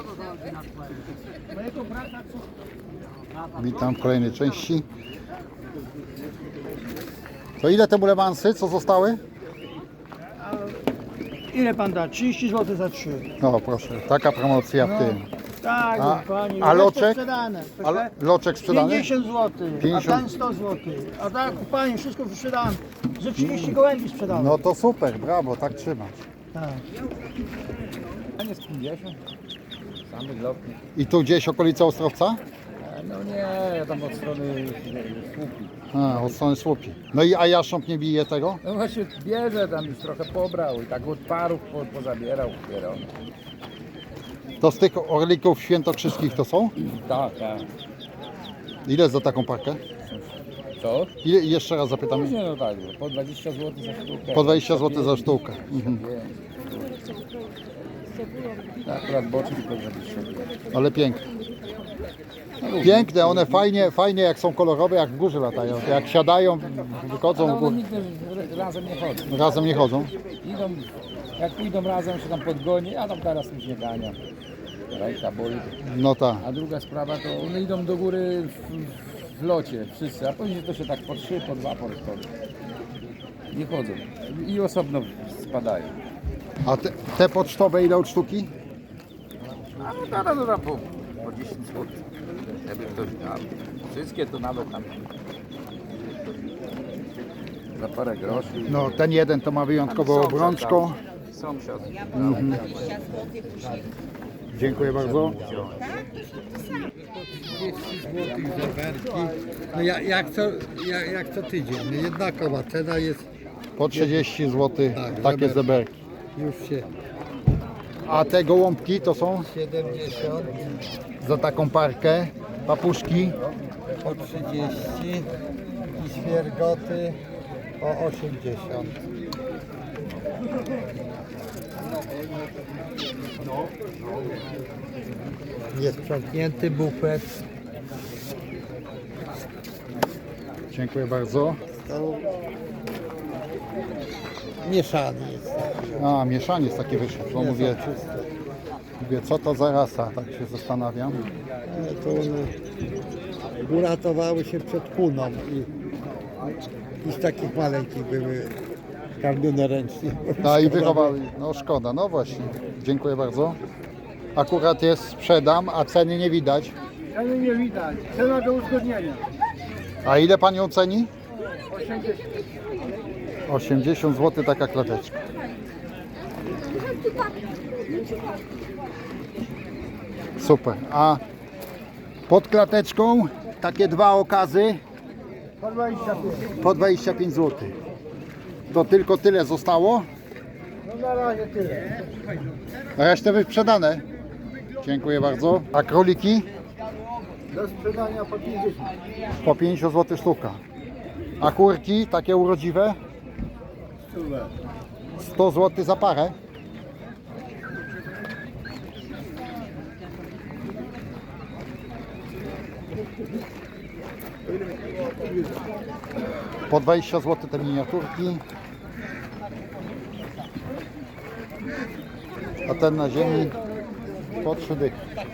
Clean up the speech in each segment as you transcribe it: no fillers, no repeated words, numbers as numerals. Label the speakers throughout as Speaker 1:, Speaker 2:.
Speaker 1: Witam w kolejnej części. To ile te bulewansy, co zostały?
Speaker 2: Ile pan da? 30 zł za 3.
Speaker 1: No proszę, taka promocja w tym.
Speaker 2: Tak,
Speaker 1: A-
Speaker 2: pani.
Speaker 1: a loczek?
Speaker 2: Sprzedane.
Speaker 1: A loczek sprzedany?
Speaker 2: 50 zł,
Speaker 1: 50.
Speaker 2: a ten 100 zł. A tak, pani, wszystko sprzedałem. Ze 30 gołębi sprzedałem.
Speaker 1: No to super, brawo, tak trzymać.
Speaker 2: Tak.
Speaker 3: A nie z 50? Samych lotnych.
Speaker 1: I tu gdzieś okolica Ostrowca?
Speaker 3: No nie, tam od strony słupi.
Speaker 1: A, od strony Słupi. No i a jastrząb nie bije tego?
Speaker 3: No właśnie bierze, tam już trochę pobrał i tak od parów pozabierał.
Speaker 1: To z tych orlików świętokrzyskich to są?
Speaker 3: Tak, tak.
Speaker 1: Ile za taką parkę?
Speaker 3: Co?
Speaker 1: Ile, jeszcze raz zapytam.
Speaker 3: Później no tak, po 20 zł za sztukę.
Speaker 1: Po 20 zł za sztukę. Mhm.
Speaker 3: Tak, akurat boczki po 20 zł.
Speaker 1: Ale piękne. Piękne, one fajnie jak są kolorowe, jak w górze latają. Jak siadają, wychodzą
Speaker 3: Ale
Speaker 1: w
Speaker 3: one
Speaker 1: górę.
Speaker 3: nigdy razem nie chodzą.
Speaker 1: Razem nie chodzą.
Speaker 3: Idą, jak pójdą razem się tam podgoni, a tam teraz już nie gania. Ręka boli.
Speaker 1: No tak.
Speaker 3: A druga sprawa to one idą do góry w locie wszyscy, a później to się tak po 3, po 2 podchodzą. Nie chodzą i osobno spadają.
Speaker 1: A te pocztowe ile od sztuki?
Speaker 3: A no teraz po 10 zł. Jakby ktoś miał. Wszystkie to nawet tam za parę groszy.
Speaker 1: No ten jeden to ma wyjątkową obrączką.
Speaker 3: Sąsiad.
Speaker 1: Dziękuję bardzo.
Speaker 4: 30 zł zeberki. No jak co tydzień. No jednakowa cena jest,
Speaker 1: Po 30 zł
Speaker 4: Tak,
Speaker 1: takie
Speaker 4: zeberki.
Speaker 1: zeberki.
Speaker 4: już się
Speaker 1: A te gołąbki to są
Speaker 4: 70
Speaker 1: za taką parkę. Papuszki
Speaker 4: po 30 i świergoty o 80. Niesprzątnięty bufet.
Speaker 1: Dziękuję bardzo.
Speaker 4: To mieszany jest.
Speaker 1: A, mieszaniec taki wyszedł. To mówię, co to za rasa, tak się zastanawiam.
Speaker 4: To one uratowały się przed kuną i z takich maleńkich były karmione ręcznie.
Speaker 1: A i wychowali. No szkoda, no właśnie. Dziękuję bardzo. Akurat jest sprzedam, a ceny nie widać.
Speaker 2: Ceny nie widać. Cena do uzgodnienia.
Speaker 1: A ile pan ją ceni?
Speaker 2: 80.
Speaker 1: 80 zł taka klateczka. Super. A pod klateczką takie dwa okazy
Speaker 2: Po 25.
Speaker 1: po 25 zł. To tylko tyle zostało.
Speaker 2: No na razie tyle.
Speaker 1: Resztę wyprzedane. Dziękuję bardzo. A króliki?
Speaker 2: Do sprzedania po 50.
Speaker 1: Po 50 zł sztuka. A kurki takie urodziwe? 100 zł za parę. Po 20 zł te miniaturki. A ten na ziemi po 3 dychy.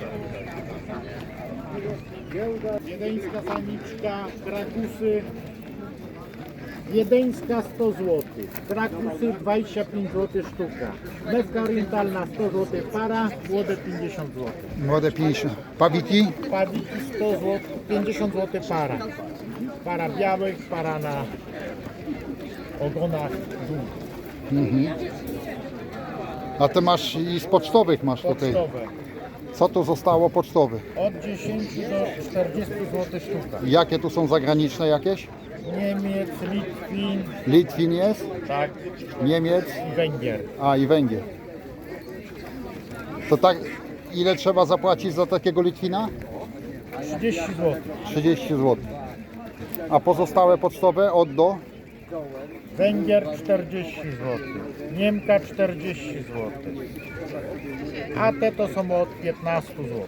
Speaker 5: Wiedeńska samiczka, krakusy. Wiedeńska 100 zł, krakusy 25 zł sztuka, mewka orientalna 100 zł para, młode 50 zł,
Speaker 1: Młode 50. Pawiki?
Speaker 5: pawiki 100 zł, 50 zł para, para białych, para na ogonach długich,
Speaker 1: A te masz i z pocztowych masz tutaj.
Speaker 5: pocztowe,
Speaker 1: Co tu zostało pocztowych?
Speaker 5: od 10 do 40 zł sztuka,
Speaker 1: Jakie tu są zagraniczne jakieś?
Speaker 5: Niemiec, Litwin,
Speaker 1: Litwin jest,
Speaker 5: tak,
Speaker 1: Niemiec,
Speaker 5: i Węgier.
Speaker 1: a i Węgier. To tak, ile trzeba zapłacić za takiego Litwina?
Speaker 5: 30 zł.
Speaker 1: 30 zł. A pozostałe pocztowe od do?
Speaker 5: Węgier 40 zł, Niemka 40 zł, a te to są od 15 zł.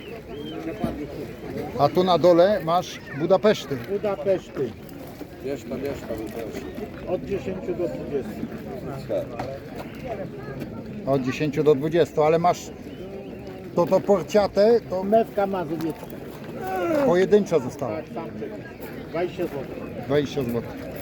Speaker 1: A tu na dole masz Budapeszty.
Speaker 5: Budapeszty
Speaker 3: Wiesz to.
Speaker 5: od 10 do 20.
Speaker 1: Od 10 do 20, ale masz To porciate, to
Speaker 5: Mewka mazowiecka.
Speaker 1: pojedynczo zostało.
Speaker 5: Tak, samczyk. 20 zł.
Speaker 1: 20 zł.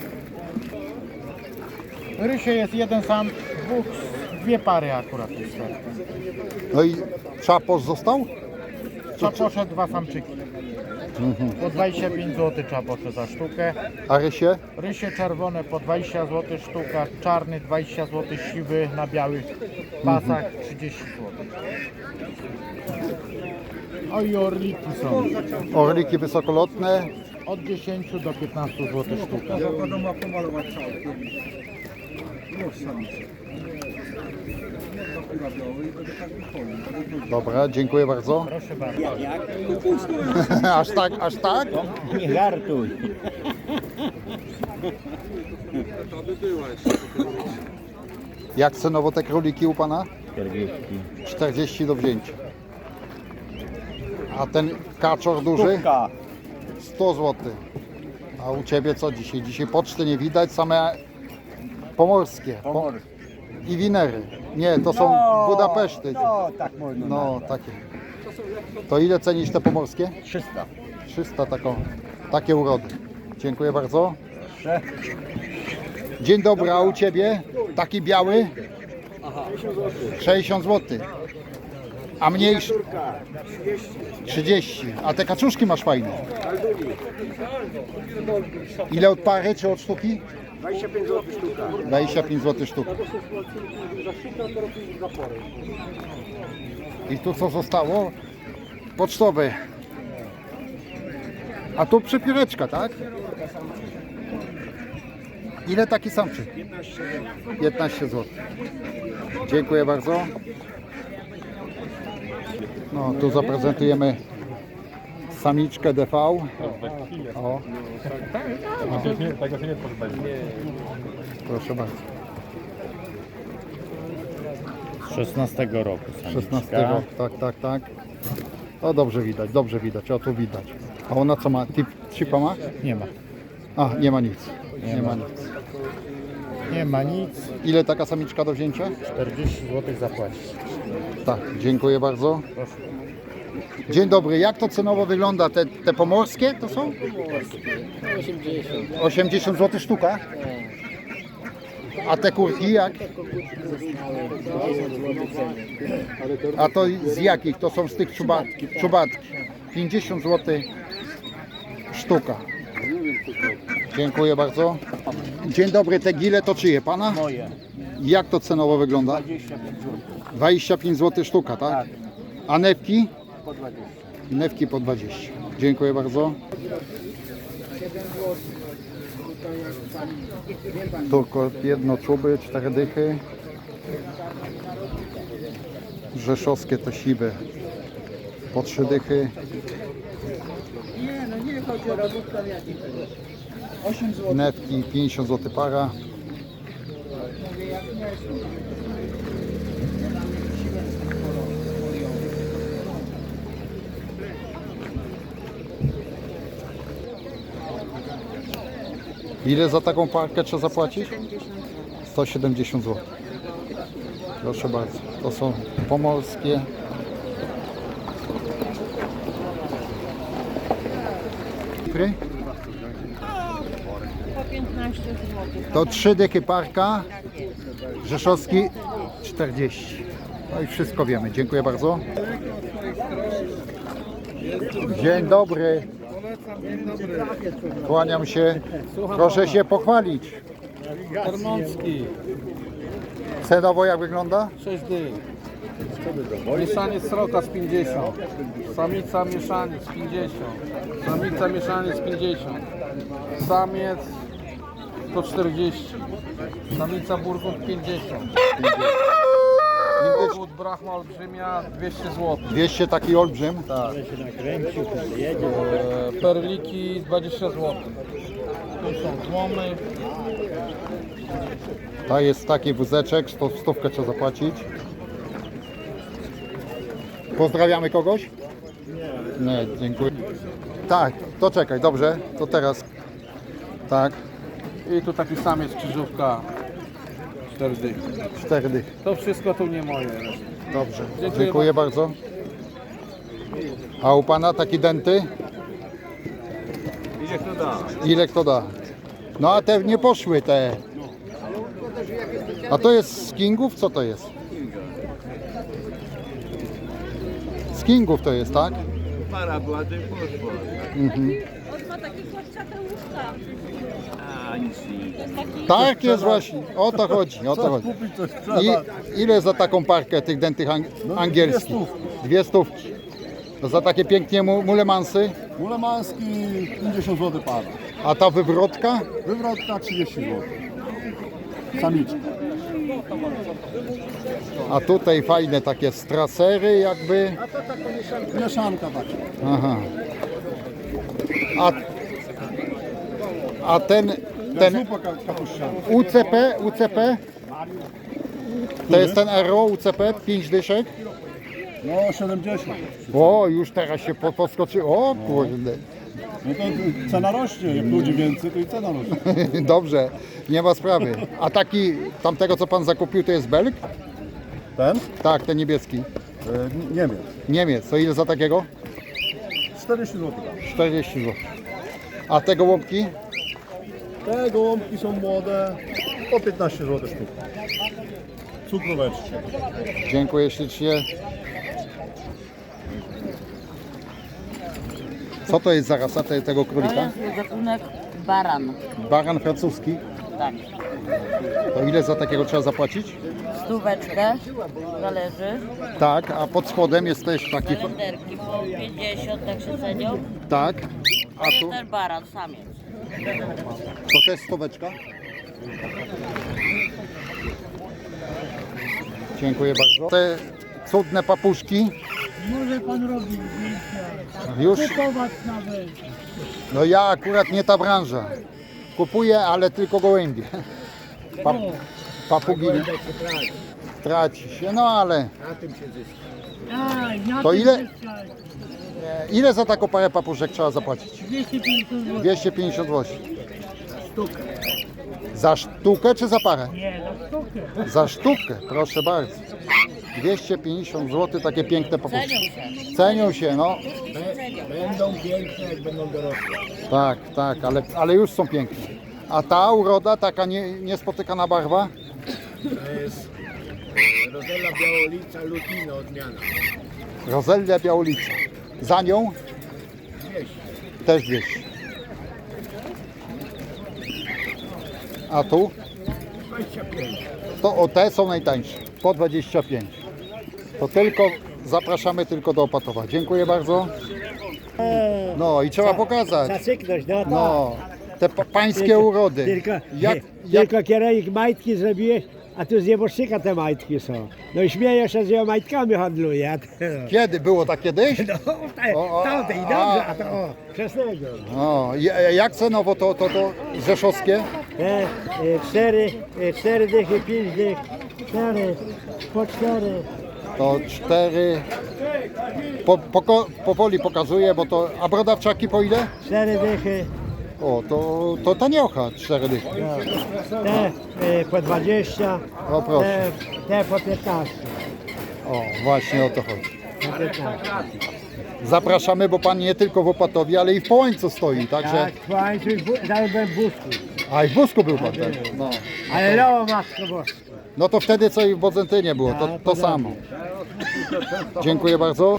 Speaker 5: Rysie jest jeden sam, dwie pary akurat jest.
Speaker 1: No i czaposz został?
Speaker 5: Czaposze dwa samczyki. Po 25 zł czaposze za sztukę.
Speaker 1: A rysie?
Speaker 5: Rysie czerwone po 20 zł sztuka, czarny 20 zł, siwy na białych pasach 30 zł. O i orliki są
Speaker 1: Orliki wysokolotne.
Speaker 5: od 10 do 15 zł sztuka.
Speaker 1: Dobra, dziękuję bardzo.
Speaker 5: Proszę bardzo.
Speaker 1: Aż tak, aż tak?
Speaker 5: Nie żartuj.
Speaker 1: Jak cenowo te króliki u pana?
Speaker 5: 40.
Speaker 1: 40 do wzięcia. A ten kaczor duży? 100 zł. A u ciebie co dzisiaj? Dzisiaj poczty nie widać, same pomorskie. I winery. Nie, to są Budapeszty.
Speaker 2: No, tak można.
Speaker 1: No, takie. To ile cenisz te pomorskie?
Speaker 2: 300.
Speaker 1: 300 takie urody. Dziękuję bardzo. Dzień dobry, a u ciebie? Taki biały? 60 zł. A mniejszy? 30. A te kaczuszki masz fajne. Ile od pary czy od sztuki?
Speaker 2: 25 zł sztuka.
Speaker 1: 25 zł sztuka. I tu co zostało? Pocztowe. A tu przypióreczka, tak? Ile taki samczyk? 15 zł. Dziękuję bardzo. No, tu zaprezentujemy samiczkę DV. O. Proszę bardzo.
Speaker 5: Z 16 roku.
Speaker 1: 16 rok, tak. O, dobrze widać, o tu widać. A ona co ma? Chipa ma?
Speaker 5: Nie ma.
Speaker 1: A, nie ma nic. Nie ma nic.
Speaker 5: Nie ma nic.
Speaker 1: Ile taka samiczka do wzięcia?
Speaker 5: 40 zł zapłacić.
Speaker 1: Tak, dziękuję bardzo. Dzień dobry, jak to cenowo wygląda? Te pomorskie to są? 80. 80 zł sztuka? A te kurki jak? A to z jakich? To są z tych czubatki. 50 zł sztuka. Dziękuję bardzo. Dzień dobry, te gile to czyje? Pana?
Speaker 5: Moje.
Speaker 1: Jak to cenowo wygląda?
Speaker 5: 25 zł.
Speaker 1: 25 zł sztuka, tak? A newki?
Speaker 5: Po 20.
Speaker 1: Newki po 20. Dziękuję bardzo. Tylko jedno czuby, 4 dychy. Rzeszowskie te siwe po 3 dychy. Newki 50 zł para. Ile za taką parkę trzeba zapłacić? 170 zł. Proszę bardzo. To są pomorskie. Fry?
Speaker 6: Po 15 zł.
Speaker 1: To 3 dychy parka. Rzeszowski 40. No i wszystko wiemy. Dziękuję bardzo. Dzień dobry. Kłaniam się. Proszę się pochwalić.
Speaker 3: Tarnowski,
Speaker 1: Cenowo jak wygląda?
Speaker 3: 6 dych. Mieszaniec sroka z 50. Samica mieszaniec 50. Samica mieszaniec 50. Samiec to 40. Samica burgund 50. Burgund brachma olbrzymia 200 zł.
Speaker 1: 200 taki olbrzym.
Speaker 3: Tak. Perliki 20 zł. Tu są tłomy.
Speaker 1: To jest taki wózeczek, stówkę trzeba zapłacić. Pozdrawiamy kogoś? Nie, dziękuję. Tak, to czekaj, dobrze, to teraz. Tak,
Speaker 3: I tu taki samiec krzyżówka 4 dychy.
Speaker 1: 4 dychy.
Speaker 3: To wszystko tu nie moje.
Speaker 1: Dobrze,
Speaker 3: Dziękuję
Speaker 1: dziękuję bardzo. A u pana taki denty? Ile kto da? No a te nie poszły te. A to jest z Kingów? Co to jest? Z Kingów to jest, tak?
Speaker 7: Para była, to i poszła.
Speaker 1: Mhm.
Speaker 6: On ma takie kłaszczate łóżka.
Speaker 7: A nic nie.
Speaker 1: Tak jest właśnie, o to chodzi, o to chodzi. Ile za taką parkę tych dętych angielskich? 200. To za takie pięknie mulemansy?
Speaker 8: Mulemański 50 zł para.
Speaker 1: A ta wywrotka?
Speaker 8: Wywrotka 30 zł. Samiczka.
Speaker 1: A tutaj fajne takie strasery jakby.
Speaker 8: Mieszanka taka.
Speaker 1: Aha. A ten
Speaker 8: Zupa kapuściana.
Speaker 1: UCP? To jest ten RO UCP 5 dyszek?
Speaker 8: No 70.
Speaker 1: O, już teraz się podskoczy. O kurde.
Speaker 8: No to cena rośnie. Jak ludzi więcej, to i cena rośnie.
Speaker 1: Dobrze, nie ma sprawy. A taki tamtego co pan zakupił to jest Belg?
Speaker 8: Ten?
Speaker 1: Tak, ten niebieski.
Speaker 8: Niemiec.
Speaker 1: Niemiec. To ile za takiego?
Speaker 8: 40 zł.
Speaker 1: 40 zł. A te gołąbki?
Speaker 8: Te gołąbki są młode. Po 15 zł sztuk. Cukroweczki.
Speaker 1: Dziękuję ślicznie. Co to jest za rasa tego
Speaker 9: To
Speaker 1: królika?
Speaker 9: jest gatunek baran.
Speaker 1: Baran francuski.
Speaker 9: Tak.
Speaker 1: To ile za takiego trzeba zapłacić?
Speaker 9: Stóweczkę, zależy.
Speaker 1: Tak, a pod spodem jest też taki.
Speaker 9: Kalenderki po 50, tak się cenią.
Speaker 1: Tak. A
Speaker 9: To jest
Speaker 1: tu
Speaker 9: ten baran, samiec.
Speaker 1: to też stóweczka. Dziękuję bardzo. Te cudne papuszki.
Speaker 2: Może pan robić
Speaker 1: Już.
Speaker 2: kupować nawet.
Speaker 1: No ja akurat nie ta branża. Kupuję, ale tylko gołębie. Papugi nie. Traci się, no ale to ile za taką parę papuszek trzeba zapłacić? 250 zł. Za sztukę czy za parę?
Speaker 2: Nie, za sztukę.
Speaker 1: Za sztukę, proszę bardzo. 250 zł, takie piękne papuszki.
Speaker 9: Cenią się.
Speaker 1: Cenią się, no.
Speaker 2: Będą piękne, jak będą dorosłe.
Speaker 1: Tak, tak, ale już są piękne. A ta uroda, taka niespotykana barwa?
Speaker 2: To jest Rozella Białolica Lutino odmiana.
Speaker 1: Rozelia Białolica. Za nią?
Speaker 2: 200.
Speaker 1: Też 200. A tu?
Speaker 2: 25.
Speaker 1: To o te są najtańsze. Po 25. To tylko zapraszamy tylko do Opatowa. Dziękuję bardzo. No i trzeba pokazać.
Speaker 2: Zacyknąć, no to.
Speaker 1: No, te pańskie urody.
Speaker 2: Tylko kierownik majtki zrobiłeś, a tu z nieboszczyka te majtki są. No i śmieję się, że ja majtkami handluję.
Speaker 1: Kiedy? Było tak kiedyś?
Speaker 2: No, tamtej, dobrze, a to o, wczesnego.
Speaker 1: O, jak cenowo to rzeszowskie?
Speaker 2: Te 4 dychy, 5 dych, 4, po 4.
Speaker 1: To 4. Powoli pokazuję, bo to. A brodawczaki po ile?
Speaker 2: 4 dychy,
Speaker 1: O, to taniocha, 4 dychy.
Speaker 2: te po 20,
Speaker 1: O proszę.
Speaker 2: te po 15.
Speaker 1: O, właśnie o to chodzi.
Speaker 2: Po 15.
Speaker 1: Zapraszamy, bo pan nie tylko w Opatowie, ale i w Połańcu stoi, także.
Speaker 2: Tak, słuchajcie, nawet byłem w Busku.
Speaker 1: A i w Busku był pan też. No.
Speaker 2: Ale no, matko boska.
Speaker 1: No to wtedy co i w Bodzentynie było, to samo. Dziękuję bardzo.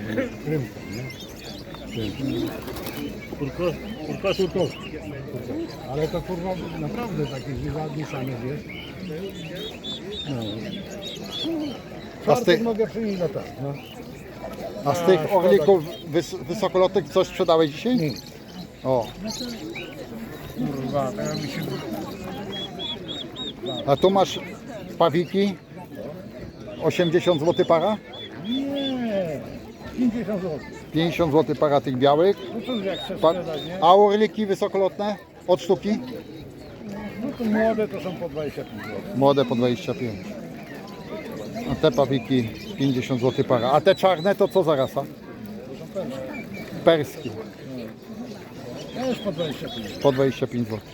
Speaker 8: Ale to kurwa naprawdę taki ładny samiec jest.
Speaker 1: A z tych,
Speaker 8: Mogę przynieść na tak. No.
Speaker 1: a z tych orlików wysokolotych coś sprzedałeś dzisiaj? O.
Speaker 8: Kurwa, to ja mi się...
Speaker 1: A tu masz pawiki. 80 zł para?
Speaker 8: Nie, 50 zł.
Speaker 1: 50 zł para tych białych.
Speaker 8: No cóż, jak chcesz
Speaker 1: Pa,
Speaker 8: sprzedać, nie?
Speaker 1: a orliki wysokolotne? Od sztuki?
Speaker 8: No to młode to są po 25 zł.
Speaker 1: Młode po 25. A te pawiki 50 zł para. A te czarne to co za rasa? Perskie.
Speaker 8: Też po 25.
Speaker 1: Po 25 zł.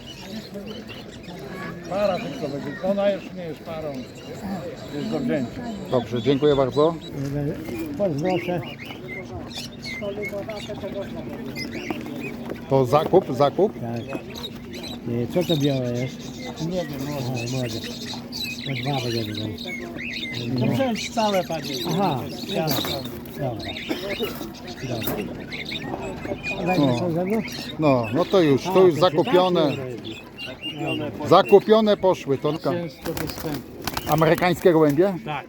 Speaker 8: Para tylko będzie. Ona już nie jest parą. Jest do wzięcia.
Speaker 1: Dobrze, dziękuję bardzo.
Speaker 2: Pozwolę.
Speaker 1: To zakup?
Speaker 2: Tak. Co to białe jest? Nie wiem, młode. To dwa będą.
Speaker 5: No wziąć całe panie.
Speaker 2: Aha, dobra. A dajmy co ze mną?
Speaker 1: No to już zakupione. Zakupione poszły. To amerykańskie gołębie?
Speaker 5: Tak.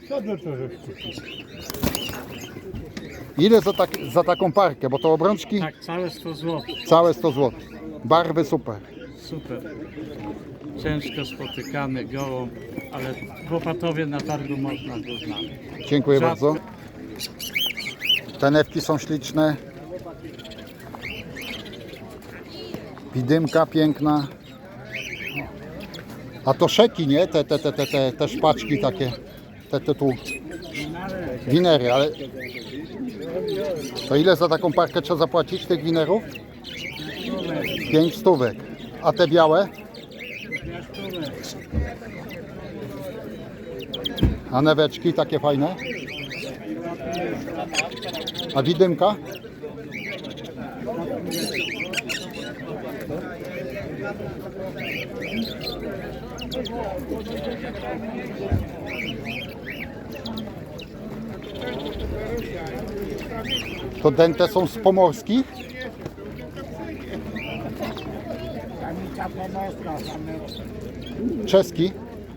Speaker 1: Ile za taką parkę? Bo to obrączki?
Speaker 5: Tak, całe 100 zł.
Speaker 1: Całe 100 zł. Barwy super.
Speaker 5: Super. Ciężko spotykany gołąb, ale w Opatowie na targu można go znaleźć.
Speaker 1: Dziękuję
Speaker 5: Rzadko.
Speaker 1: bardzo. Te newki są śliczne. Widymka piękna. A to szeki, nie? Te szpaczki takie. Te tu. Winery, ale... To ile za taką parkę trzeba zapłacić tych winerów? 5 stówek. A te białe? A neweczki takie fajne? A widymka? To dente są z pomorskich? Czeski?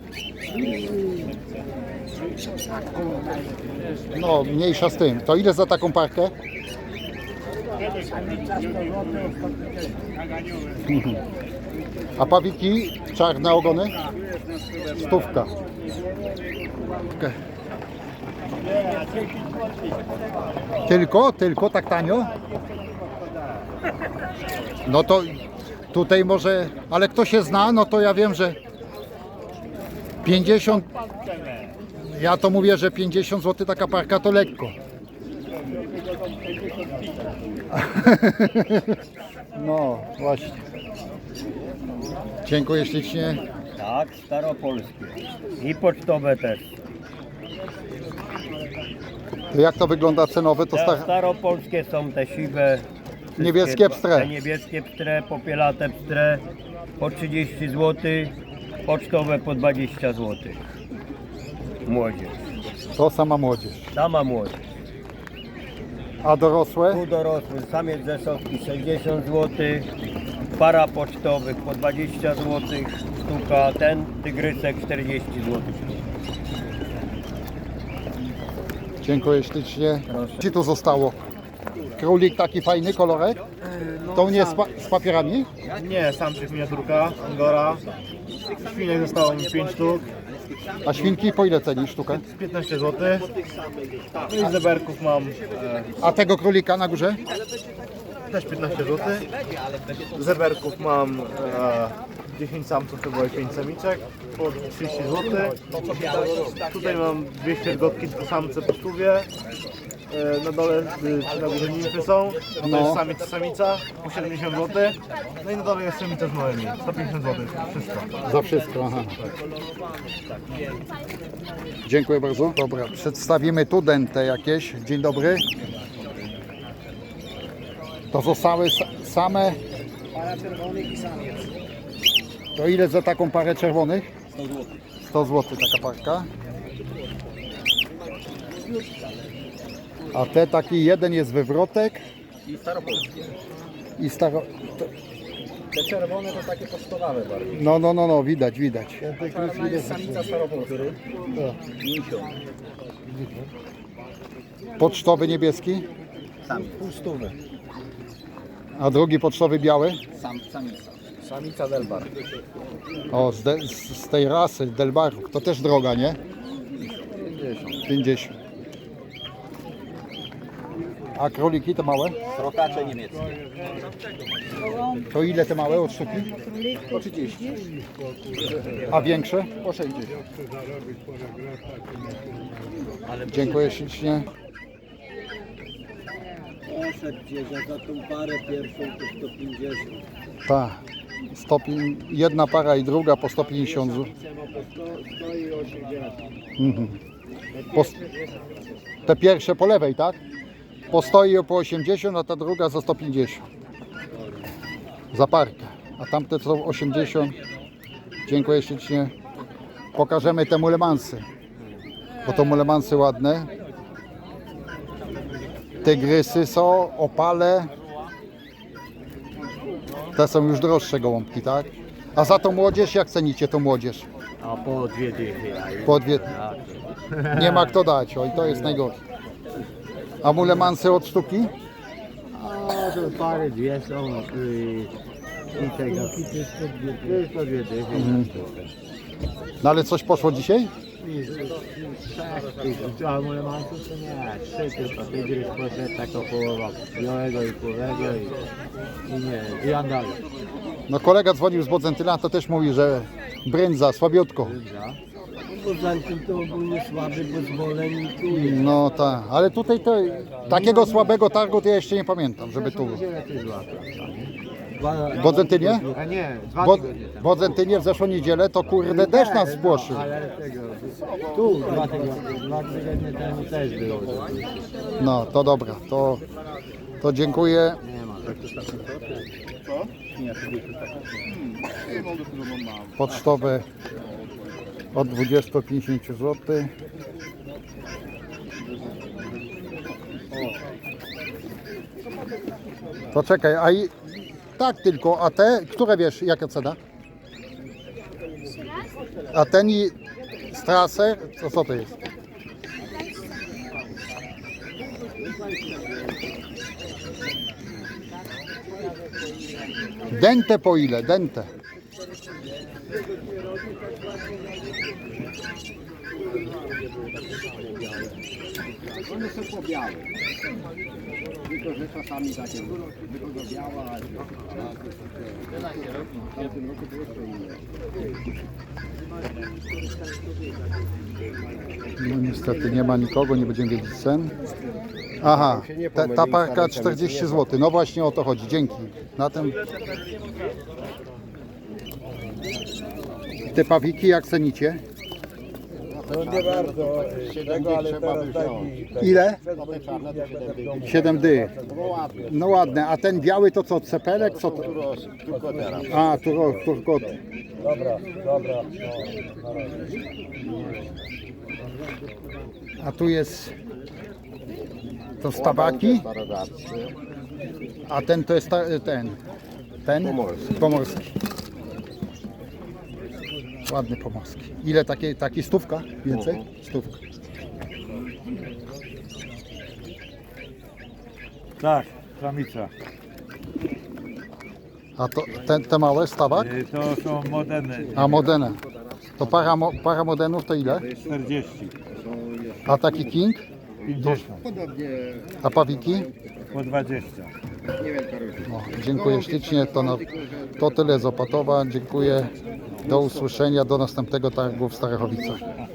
Speaker 1: No, mniejsza z tym. To ile za taką parkę? A pawiki czarne ogony? Stówka. Tylko tak tanio? No to tutaj może, ale kto się zna, no to ja wiem, że 50, ja to mówię, że 50 zł taka parka to lekko. No właśnie. Dziękuję ślicznie.
Speaker 10: Tak, staropolskie. I pocztowe też.
Speaker 1: To jak to wygląda cenowe? To
Speaker 10: Staropolskie są te siwe.
Speaker 1: Niebieskie pstre.
Speaker 10: Te niebieskie pstre, popielate pstre po 30 zł, pocztowe po 20 zł. Młodzież.
Speaker 1: To sama młodzież.
Speaker 10: Sama młodzież.
Speaker 1: A dorosłe?
Speaker 10: Tu dorosły, samiec zesowski 60 zł, para pocztowych po 20 zł sztuka, ten tygrysek 40 zł.
Speaker 1: Dziękuję ślicznie. Ci tu zostało? Królik taki fajny, kolorek? To nie z papierami?
Speaker 8: Nie, samczyk miniaturka, angora. Świnek zostało mi 5 sztuk,
Speaker 1: A świnki po ile ceni sztukę?
Speaker 8: 15 zł. No i zeberków mam
Speaker 1: A tego królika na górze?
Speaker 8: też 15 zł. Zeberków mam 10 samców to było i 5 samiczek po 30 zł. Tutaj mam 200 gotki, to samce po stówie. Na dole czy na górze nimfy są, to jest samiec i samica po 70 zł. No i na dole jest samica z małymi, 150 zł, wszystko.
Speaker 1: Za wszystko, aha. Dziękuję bardzo. Dobra, przedstawimy tu dentę jakieś. Dzień dobry. To zostały same...
Speaker 2: Para czerwonych i samiec.
Speaker 1: To ile za taką parę czerwonych?
Speaker 2: 100 zł.
Speaker 1: 100 zł taka parka. A te taki jeden jest wywrotek.
Speaker 10: I staropolskie.
Speaker 1: I staro...
Speaker 10: Te czerwone to takie pocztowe bardziej.
Speaker 1: No, widać.
Speaker 10: Czarna jest samica staropolska.
Speaker 1: Pocztowy niebieski.
Speaker 10: Samiec. Półstówy.
Speaker 1: A drugi pocztowy biały.
Speaker 10: Samica. Samica Delbar.
Speaker 1: O, z tej rasy Delbarów. To też droga, nie? 50. A króliki te małe?
Speaker 10: Rokacze niemieckie.
Speaker 1: To ile te małe od sztuki?
Speaker 10: Po 30.
Speaker 1: A większe?
Speaker 10: Po 60.
Speaker 1: Dziękuję ślicznie.
Speaker 2: Poszedł gdzieś, a za tą parę pierwszą to 150.
Speaker 1: Tak. Jedna para i druga po 150 zł.
Speaker 2: Stoi 80.
Speaker 1: Mhm. Te pierwsze po lewej, tak? Postoi po 80, a ta druga za 150. Za parkę. A tamte są 80. Dziękuję ślicznie. Pokażemy te mulemansy. Bo to mulemansy ładne. Tygrysy są, opale. Te są już droższe gołąbki, tak? A za tą młodzież, jak cenicie tą młodzież?
Speaker 10: A po 2 dychy.
Speaker 1: Po dwie. Nie ma kto dać, oj, to jest najgorsze. A mulemansy od sztuki?
Speaker 10: A to pary 2 są i tego. To jest po 2 dychy.
Speaker 1: No ale coś poszło dzisiaj?
Speaker 10: A moje masy to nie, 3 tylko, tygrys poszedł taka połowa białego i płowego i nie, i andalek.
Speaker 1: No kolega dzwonił z Bodzentyna, to też mówi, że brędza, słabiutko.
Speaker 10: Bo zanim to ogólnie słaby, bo zboleń tu.
Speaker 1: No tak, ale tutaj to, takiego słabego targu to ja jeszcze nie pamiętam, żeby tu... W Bodzentynie?
Speaker 10: A nie, 2
Speaker 1: Bo,
Speaker 10: tygodnie temu.
Speaker 1: w Bodzentynie w zeszłą niedzielę to kurde deszcz nas spłoszył.
Speaker 10: Ale tego, tu 2 tygodnie temu też było.
Speaker 1: No to dobra, to dziękuję. Pocztowe od 20-50 zł. To czekaj, a i tak tylko, a te, które wiesz, jaka cena? A ten i Strasser, to co to jest? Dente po ile? Dente.
Speaker 10: One są pobiałe. Tylko, że czasami takie wychodzą biała, a w tym roku to jeszcze inne.
Speaker 1: No niestety nie ma nikogo, nie będziemy wiedzieć cen. Aha, ta parka 40 zł. No właśnie o to chodzi. Dzięki. Na tym... Te pawiki jak cenicie?
Speaker 10: No nie bardzo, ale teraz taki...
Speaker 1: Ile? 7 dych. No ładne. A ten biały to co? Cepelek? Co to? A, turkoty.
Speaker 10: Dobra.
Speaker 1: A tu jest to stawaki. A ten to jest ten pomorski. Ładny pomorski. Ile taki stówka? Więcej? Stówka.
Speaker 5: Tak, samica.
Speaker 1: A to te małe stawak?
Speaker 5: To są modeny.
Speaker 1: A modene. To para modenów to ile?
Speaker 5: 40.
Speaker 1: A taki king?
Speaker 5: 50.
Speaker 1: A pawiki?
Speaker 5: Po 20.
Speaker 1: No, dziękuję ślicznie. To tyle z Opatowa. Dziękuję. Do usłyszenia. Do następnego targu w Starachowicach.